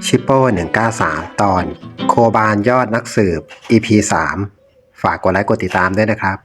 ชิปโป้193ตอนโคบานยอดนักสืบ EP 3ฝากกดไลค์กดติดตามด้วยนะครับ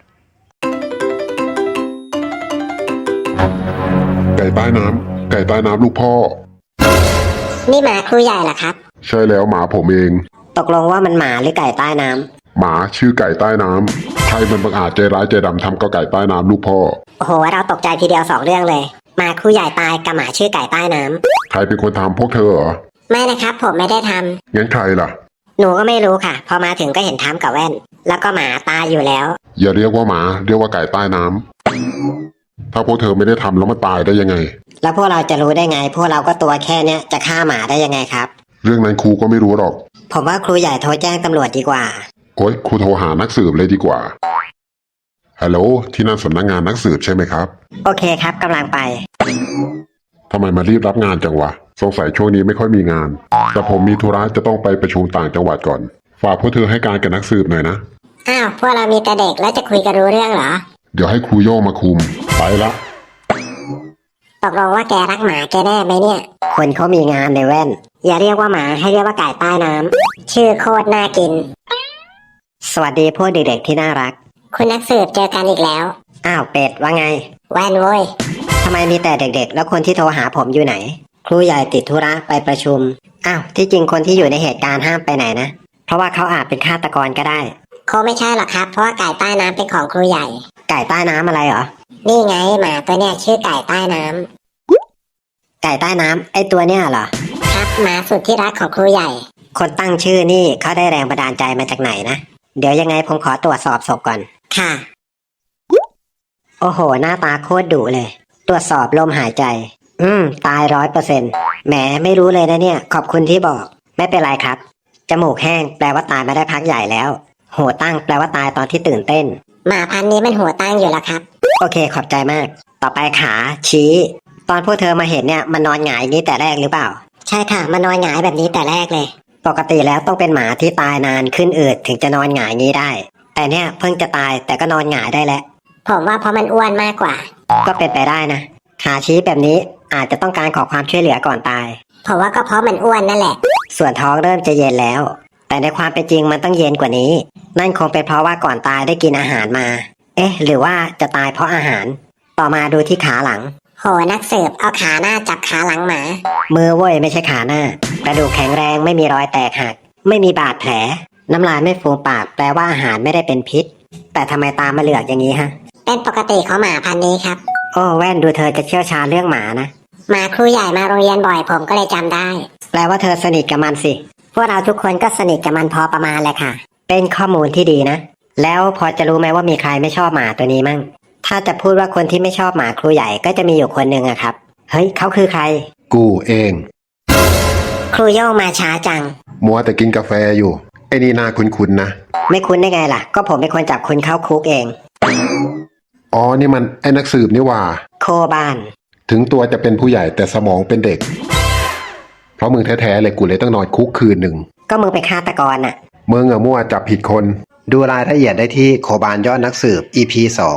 ไก่ใต้น้ำไก่ใต้น้ำลูกพ่อนี่หมาครูใหญ่เหรอครับใช่แล้วหมาผมเองตกลงว่ามันหมาหรือไก่ใต้น้ำหมาชื่อไก่ใต้น้ำใครมันบังอาจใจร้ายใจดำทำกับไก่ใต้น้ำลูกพ่อโอ้โหเราตกใจทีเดียว2เรื่องเลยหมาครูใหญ่ตายกับหมาชื่อไก่ใต้น้ำใครเป็นคนทำพวกเธอเหรอไม่นะครับผมไม่ได้ทำงั้นใครล่ะหนูก็ไม่รู้ค่ะพอมาถึงก็เห็นท้ำกับแว่นแล้วก็หมาตายอยู่แล้วอย่าเรียกว่าหมาเรียกว่าไก่ใต้น้ำถ้าพวกเธอไม่ได้ทำแล้วมันตายได้ยังไงแล้วพวกเราจะรู้ได้ไงพวกเราก็ตัวแค่เนี้ยจะฆ่าหมาได้ยังไงครับเรื่องนั้นครูก็ไม่รู้หรอกผมว่าครูใหญ่โทรแจ้งตำรวจดีกว่าโอ๊ยครูโทรหานักสืบเลยดีกว่าฮัลโหลที่นั่นสำนักงานนักสืบใช่ไหมครับโอเคครับกำลังไปทำไมมารีบรับงานจังวะสงสัยช่วงนี้ไม่ค่อยมีงานแต่ผมมีธุระจะต้องไปประชุมต่างจังหวัดก่อนฝากพวกเธอให้การกับนักสืบหน่อยนะอ้าวพวกเรามีแต่เด็กแล้วจะคุยกันรู้เรื่องเหรอเดี๋ยวให้ครูโย่งมาคุมไปละตกลงว่าแกรักหมาแกแน่ไหมเนี่ยคนเขามีงานในแว่นอย่าเรียกว่าหมาให้เรียกว่าไก่ใต้น้ำชื่อโคตรน่ากินสวัสดีพวกเด็กๆที่น่ารักคุณนักสืบเจอกันอีกแล้วอ้าวเป็ดว่าไงแว่นโว้ยทำไมมีแต่เด็กๆแล้วคนที่โทรหาผมอยู่ไหนครูใหญ่ติดธุระไปประชุมอ้าวที่จริงคนที่อยู่ในเหตุการณ์ห้ามไปไหนนะเพราะว่าเขาอาจเป็นฆาตกรก็ได้คงไม่ใช่หรอกครับเพราะว่าไก่ใต้น้ำเป็นของครูใหญ่ไก่ใต้น้ำอะไรเหรอนี่ไงหมาตัวเนี้ยชื่อไก่ใต้น้ำไก่ใต้น้ำไอตัวเนี้ยเหรอครับหมาสุดที่รักของครูใหญ่คนตั้งชื่อนี่เขาได้แรงบันดาลใจมาจากไหนนะเดี๋ยวยังไงผมขอตรวจสอบศพก่อนค่ะโอ้โหหน้าตาโคตรดุเลยตรวจสอบลมหายใจตาย100%แหมไม่รู้เลยนะเนี่ยขอบคุณที่บอกไม่เป็นไรครับจมูกแห้งแปลว่าตายมาได้พักใหญ่แล้วหัวตั้งแปลว่าตายตอนที่ตื่นเต้นหมาพันธุ์นี้มันหัวตั้งอยู่แล้วครับโอเคขอบใจมากต่อไปขาชี้ตอนพวกเธอมาเห็นเนี่ยมันนอนหงายอย่างนี้แต่แรกหรือเปล่าใช่ค่ะมันนอนหงายแบบนี้แต่แรกเลยปกติแล้วต้องเป็นหมาที่ตายนานขึ้นอืดถึงจะนอนหงายงี้ได้แต่เนี่ยเพิ่งจะตายแต่ก็นอนหงายได้แล้วผมว่าเพราะมันอ้วนมากกว่าก็เป็นไปได้นะขาชี้แบบนี้อาจจะต้องการขอความช่วยเหลือก่อนตายผมว่าก็เพราะมันอ้วนนั่นแหละส่วนท้องเริ่มจะเย็นแล้วแต่ในความเป็นจริงมันต้องเย็นกว่านี้นั่นคงเป็นเพราะว่าก่อนตายได้กินอาหารมาหรือว่าจะตายเพราะอาหารต่อมาดูที่ขาหลังโหนักสืบเอาขาหน้าจับขาหลังหมามือเว้ยไม่ใช่ขาหน้ากระดูกแข็งแรงไม่มีรอยแตกหักไม่มีบาดแผลน้ำลายไม่ฟูมปากแปลว่าอาหารไม่ได้เป็นพิษแต่ทำไมตามาเหลือกอย่างนี้ฮะเป็นปกติของหมาพันธุ์นี้ครับโอ้แว่นดูเธอจะเชี่ยวชาญเรื่องหมานะหมาครูใหญ่มาโรงเรียนบ่อยผมก็เลยจำได้แปลว่าเธอสนิทกับมันสิพวกเราทุกคนก็สนิทกับมันพอประมาณแหละค่ะเป็นข้อมูลที่ดีนะแล้วพอจะรู้ไหมว่ามีใครไม่ชอบหมาตัวนี้มั่งถ้าจะพูดว่าคนที่ไม่ชอบหมาครูใหญ่ก็จะมีอยู่คนหนึ่งอะครับเฮ้ยเขาคือใครกูเองครูโย่งมาช้าจังมัวแต่กินกาแฟอยู่ไอ้นี่น่าคุ้นๆนะไม่คุ้นได้ไงล่ะก็ผมเป็นคนจับคุณเข้าคุกเองอ๋อนี่มันไอ้นักสืบนี่ว่าโคบานถึงตัวจะเป็นผู้ใหญ่แต่สมองเป็นเด็กเพราะมึงแท้ๆเลยกูเลยต้องนอนคุกคืนหนึ่งก็มึงเป็นฆาตกรน่ะมึงอะมั่วจับผิดคนดูรายละเอียดได้ที่โคบานยอดนักสืบ EP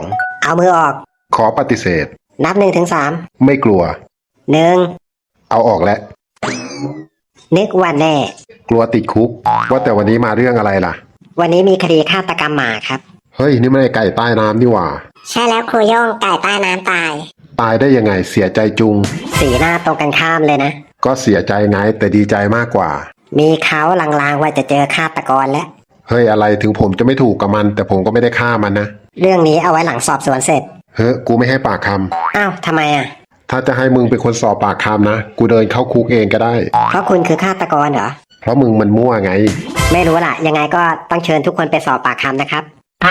2 เอามือออกขอปฏิเสธนับ1-3 ไม่กลัว 1 เอาออกแล้วนึกว่าแน่กลัวติดคุกว่าแต่วันนี้มาเรื่องอะไรล่ะวันนี้มีคดีฆาตกรรมหมาครับเฮ้ยนี่ไม่ได้ไก่ใต้น้ำนี่หว่าใช่แล้วครูโย่งไก่ใต้น้ำตายได้ยังไงเสียใจจุงสีหน้าตรงกันข้ามเลยนะก็เสียใจไงแต่ดีใจมากกว่ามีเขาลางๆว่าจะเจอฆาตกรแล้วเฮ้ยอะไรถึงผมจะไม่ถูกกับมันแต่ผมก็ไม่ได้ฆ่ามันนะเรื่องนี้เอาไว้หลังสอบสวนเสร็จเฮ้ยกูไม่ให้ปากคำอ้าวทำไมอ่ะถ้าจะให้มึงเป็นคนสอบปากคำนะกูเดินเข้าคุกเองก็ได้เพราะคุณคือฆาตกรเหรอเพราะมึงมันมั่วไงไม่รู้ล่ะยังไงก็ต้องเชิญทุกคนไปสอบปากคำนะครับ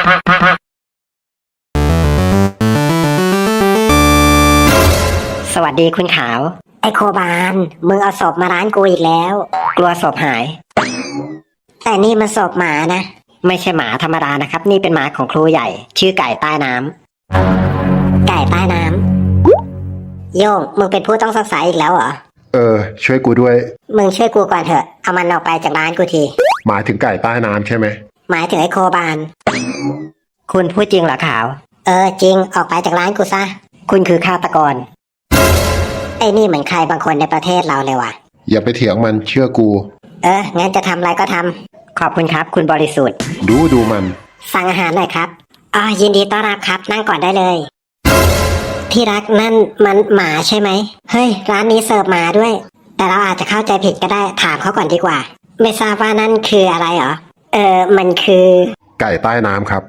สวัสดีคุณขาวไอโคบานมึงเอาศพมาร้านกูอีกแล้วกลัวศพหายแต่นี่มันศพหมานะไม่ใช่หมาธรรมดานะครับนี่เป็นหมาของครูใหญ่ชื่อไก่ใต้น้ำไก่ใต้น้ำโย่งมึงเป็นผู้ต้องสงสัยอีกแล้วเหรอช่วยกูด้วยมึงช่วยกูก่อนเถอะเอามันออกไปจากร้านกูทีหมายถึงไก่ใต้น้ำใช่ไหมหมายถึงไอโคบานคุณพูดจริงเหรอขาวจริงออกไปจากร้านกูซะคุณคือฆาตกรไอ้นี่เหมือนใครบางคนในประเทศเราเลยว่ะอย่าไปเถียงมันเชื่อกูงั้นจะทำอะไรก็ทำขอบคุณครับ คุณบริสุทธิ์ดูมันสั่งอาหารหน่อยครับยินดีต้อนรับครับ นั่งก่อนได้เลย ที่รักนั่นมันหมาใช่ไหมเฮ้ยร้านนี้เสิร์ฟหมาด้วย แต่เราอาจจะเข้าใจผิดก็ได้ถามเขาก่อนดีกว่า ไม่ทราบว่านั่นคืออะไรเหรอมันคือไก่ใต้น้ำครับ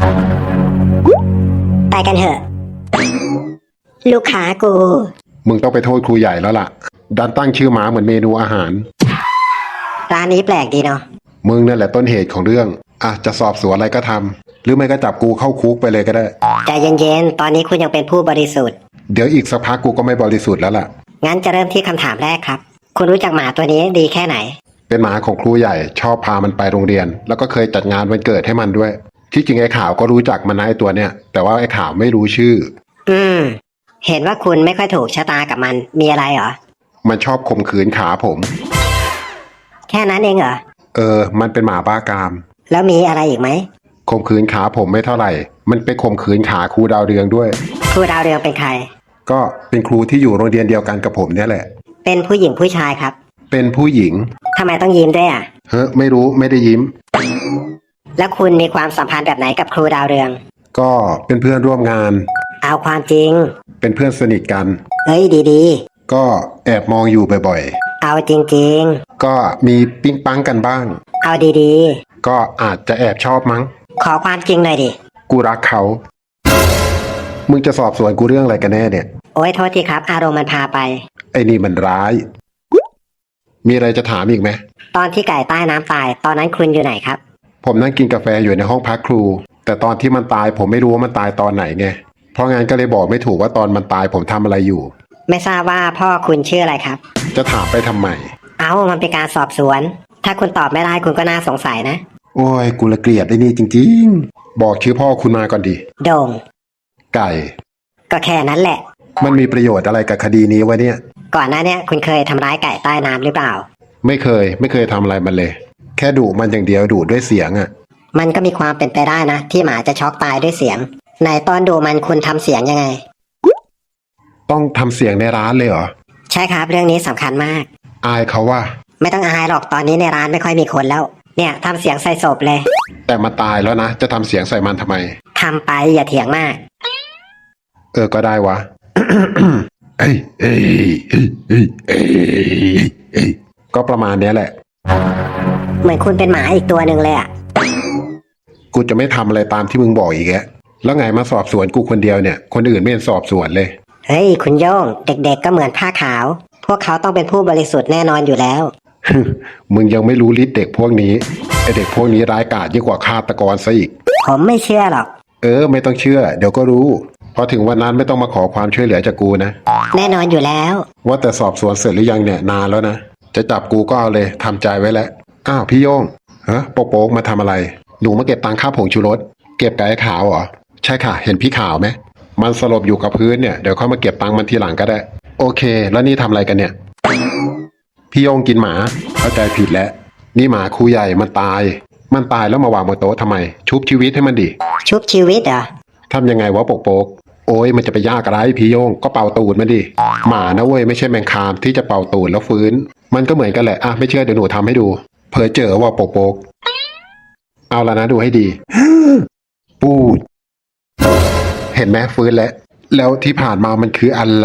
ไปกันเถอะ ลูกค้ากูมึงต้องไปโทษครูใหญ่แล้วล่ะ ดันตั้งชื่อหมาเหมือนเมนูอาหารร้านนี้แปลกดีเนาะมึงนั่นแหละต้นเหตุของเรื่องจะสอบสวนอะไรก็ทำหรือไม่ก็จับกูเข้าคุกไปเลยก็ได้ใจเย็นๆตอนนี้คุณยังเป็นผู้บริสุทธิ์เดี๋ยวอีกสักพักกูก็ไม่บริสุทธิ์แล้วล่ะงั้นจะเริ่มที่คำถามแรกครับ คุณรู้จักหมาตัวนี้ดีแค่ไหนเป็นหมาของครูใหญ่ชอบพามันไปโรงเรียน แล้วก็เคยจัดงานวันเกิดให้มันด้วย ที่จริงไอ้ข่าวก็รู้จักมันนะไอ้ตัวเนี้ยแต่ว่าไอ้ข่าวไม่รู้ชื่อเห็นว่าคุณไม่ค่อยถูกชะตากับมันมีอะไรเหรอมันชอบข่มขืนขาผมแค่นั้นเองเหรอมันเป็นหมาบ้ากามแล้วมีอะไรอีกไหมข่มขืนขาผมไม่เท่าไหร่ มันไปข่มขืนขาครูดาวเรืองด้วยครูดาวเรืองเป็นใครก็เป็นครูที่อยู่โรงเรียนเดียวกันกับผมเนี่ยแหละเป็นผู้หญิงผู้ชายครับเป็นผู้หญิงทำไมต้องยิ้มด้วยอ่ะไม่รู้ไม่ได้ยิ้มแล้วคุณมีความสัมพันธ์แบบไหนกับครูดาวเรืองก็เป็นเพื่อนร่วมงานเอาความจริงเป็นเพื่อนสนิทกันเฮ้ยดีก็แอบมองอยู่บ่อยๆ เอาจริงๆ ก็มีปิ๊งปังกันบ้างๆ เอาดีก็อาจจะแอบชอบมั้งๆ ขอความจริงหน่อยดิกูรักเขา มึงจะสอบสวนกูเรื่องอะไรกันแน่เนี่ยโอ้ยโทษทีครับ อารมณ์มันพาไปไอ้นี่มันร้าย มีอะไรจะถามอีกไหมตอนที่ไก่ใต้น้ำตาย ตอนนั้นคุณอยู่ไหนครับผมนั่งกินกาแฟอยู่ในห้องพักครู แต่ตอนที่มันตายผมไม่รู้ว่ามันตายตอนไหนไง เพราะงั้นก็เลยบอกไม่ถูกว่าตอนมันตายผมทำอะไรอยู่ไม่ทราบว่าพ่อคุณชื่ออะไรครับจะถามไปทำไมมันเป็นการสอบสวน ถ้าคุณตอบไม่ได้คุณก็น่าสงสัยนะโอ้ยกูละเกลียดไอ้นี่จริงๆ บอกชื่อพ่อคุณมาก่อนดิโด่งไก่ก็แค่นั้นแหละมันมีประโยชน์อะไรกับคดีนี้วะเนี่ยก่อนหน้าเนี้ยคุณเคยทำร้ายไก่ใต้น้ำหรือเปล่าไม่เคยทำอะไรมันเลย แค่ดุมันอย่างเดียวดุด้วยเสียงอะมันก็มีความเป็นไปได้นะ ที่หมาจะช็อกตายด้วยเสียงในตอนดูมันคุณทำเสียงยังไงต้องทำเสียงในร้านเลยเหรอใช่ครับเรื่องนี้สำคัญมากอายเขาว่าไม่ต้องอายหรอกตอนนี้ในร้านไม่ค่อยมีคนแล้ว เนี่ยทำเสียงใส่ศพเลยแต่มาตายแล้วนะ จะทำเสียงใส่มันทำไมทำไปอย่าเถียงมากก็ได้วะ เอ้ยเอ้ยเอ้ยเอ้ยเอ้ยเอ้ยก็ประมาณเนี้ยแหละเหมือนคุณเป็นหมาอีกตัวหนึ่งเลยอะกูจะไม่ทำอะไรตามที่มึงบอกอีกแกแล้วไงมาสอบสวนกูคนเดียวเนี่ย คนอื่นไม่เห็นสอบสวนเลยเฮ้ยคุณโย่งเด็กๆก็เหมือนผ้าขาว พวกเขาต้องเป็นผู้บริสุทธิ์แน่นอนอยู่แล้วมึงยังไม่รู้ฤทธิ์เด็กพวกนี้ไอเด็กพวกนี้ร้ายกาจยิ่งกว่าฆาตกรซะอีกผมไม่เชื่อหรอกไม่ต้องเชื่อ เดี๋ยวก็รู้ พอถึงวันนั้นไม่ต้องมาขอความช่วยเหลือจากกูนะแน่นอนอยู่แล้วว่าแต่สอบสวนเสร็จหรือยังเนี่ยนานแล้วนะ จะจับกูก็เอาเลยทำใจไว้แล้ว อ้าวพี่โย่งโป๊กมาทำอะไร หนูมาเก็บตังค่าผงชูรส เก็บไก่ขาวเหรอ ใช่ค่ะ เห็นพี่ขาวไหม มันสลบอยู่กับพื้นเนี่ย เดี๋ยวเข้ามาเก็บตังมันทีหลังก็ได้ โอเค แล้วนี่ทำอะไรกันเนี่ย พี่โย่งกินหมา เข้าใจผิดแล้ว นี่หมาครูใหญ่มันตาย มันตายแล้วมาวางบนโต๊ะทำไม ชุบชีวิตให้มันดิชุบชีวิตเหรอทำยังไงวะโป๊กโอ้ยมันจะไปยากอะไรพี่โย่งก็เป่าตูดมันดิ หมานะเว้ยไม่ใช่แมงคามที่จะเป่าตูดแล้วฟื้น มันก็เหมือนกันแหละไม่เชื่อเดี๋ยวหนูทำให้ดู เผลอเจอว่าโป๊กเอาละนะดูให้ดี ปูด เห็นไหมฟื้นแล้วที่ผ่านมามันคืออะไร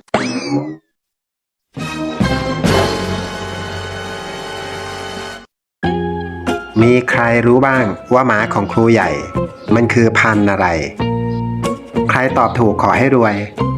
มีใครรู้บ้างว่าหมาของครูใหญ่ มันคือพันธุ์อะไร ใครตอบถูกขอให้รวย